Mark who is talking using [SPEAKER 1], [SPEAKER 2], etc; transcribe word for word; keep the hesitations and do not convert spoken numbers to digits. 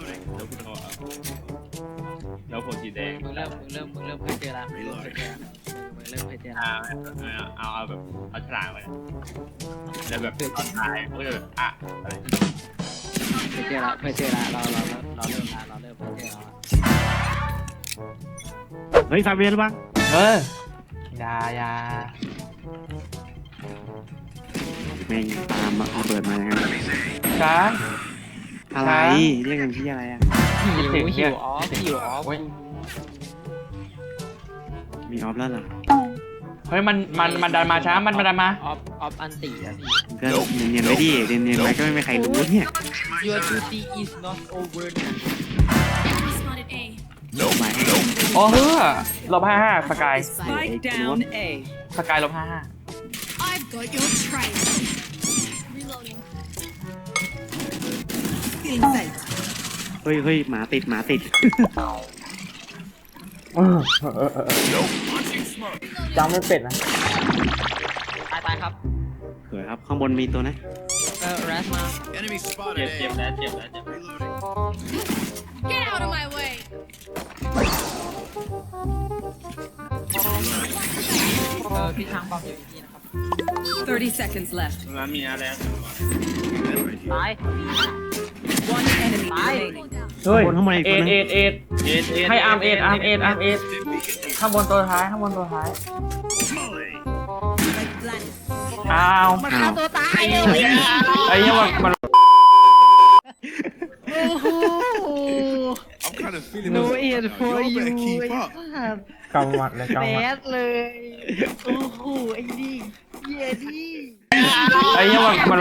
[SPEAKER 1] เลยแล้วกูโทรเอาแล้วผมสีแดง
[SPEAKER 2] มึงเริ่มมึงเริ่มมึงเริ่มเคยเจอละมึงเริ่มเคยเจอละมึงเริ่มเคยเจอละ
[SPEAKER 1] เอาเอาเอาแบบเอาฉลากไปแล้วแบบตอนท้ายก็จะแบบอ่ะอะไร
[SPEAKER 2] เคยเจอละเคยเจอละเราเราเราเริ่มละเราเริ่มเคยเจอละ
[SPEAKER 3] เฮ้ยฟาเบียนหรือเปล่า
[SPEAKER 4] เอออยาอยา
[SPEAKER 3] แม่งตามมาเอาเปิดมาอย่างนั้น
[SPEAKER 4] ช้า
[SPEAKER 3] อะไรเรียกกันที่อะไรอ่ะ
[SPEAKER 2] หิวหิวออฟหิวออฟ
[SPEAKER 3] มีออฟแล้วเหรอ
[SPEAKER 4] เฮ้ยมันมันมันดันมาช้ามันมันดันมา
[SPEAKER 2] ออฟออฟอันตีอะพี่
[SPEAKER 3] ก็เนียนๆไว้ดิเนียนๆไว้ก็ไม่มีใครรู้เนี่ย
[SPEAKER 2] Your duty is not over นะ
[SPEAKER 3] หมายให้
[SPEAKER 4] โอ้เฮ้อลบห้าห้าสกาย
[SPEAKER 5] Spike down A.
[SPEAKER 4] สกายลบห้าห้า
[SPEAKER 6] I've got your trail. Reloading.
[SPEAKER 5] Feeling sight.
[SPEAKER 3] เฮ้ยเฮ้ยหมาติดหมาติด
[SPEAKER 4] จำไม่เป็ดนะ
[SPEAKER 2] ตายตายครับ
[SPEAKER 3] สวยครับข้างบนมีตัวนะ
[SPEAKER 2] เออแรสมา
[SPEAKER 7] Enemy
[SPEAKER 1] เจ็บ
[SPEAKER 7] spotted.
[SPEAKER 1] เจ็บแล้วเจ็บแล้วเจ็บ
[SPEAKER 6] Get out of my way.
[SPEAKER 2] เออพี่ทางบอมอยู่ที่นะครับ
[SPEAKER 5] thirty seconds left.
[SPEAKER 1] มันมีอะไร
[SPEAKER 2] ตาย
[SPEAKER 5] One enemy
[SPEAKER 2] Bye.
[SPEAKER 5] remaining.
[SPEAKER 4] เฮ้ย
[SPEAKER 3] ข้างบนข้างบนอีก
[SPEAKER 4] เอ็
[SPEAKER 3] ตัว
[SPEAKER 4] ด
[SPEAKER 3] นึง
[SPEAKER 4] เอ็ดเอ็ด
[SPEAKER 1] เอ็ดเอ็ด
[SPEAKER 4] ให้อาร์มเอ็ดอาร์มเอ็ดอาร์มเอ็ดข้างบนตัวท้ายข้างบนตัวท้าย
[SPEAKER 5] Like planet.
[SPEAKER 4] อ้าว
[SPEAKER 2] มันฆ่าตัวตายเลย
[SPEAKER 4] ไอ้เหี้ยมันมัน
[SPEAKER 2] โอ้โห
[SPEAKER 7] I'm kind of feeling
[SPEAKER 2] No
[SPEAKER 7] this
[SPEAKER 2] aid
[SPEAKER 7] right now.
[SPEAKER 2] for
[SPEAKER 7] Y'all
[SPEAKER 2] you
[SPEAKER 7] better keep up.
[SPEAKER 4] กำมัดเลย
[SPEAKER 2] แบ
[SPEAKER 4] กำมัด
[SPEAKER 2] ดเลย โอ้โห ไอ้นี่เหี้ยนี่
[SPEAKER 4] ไอ้เหี้ยมันมัน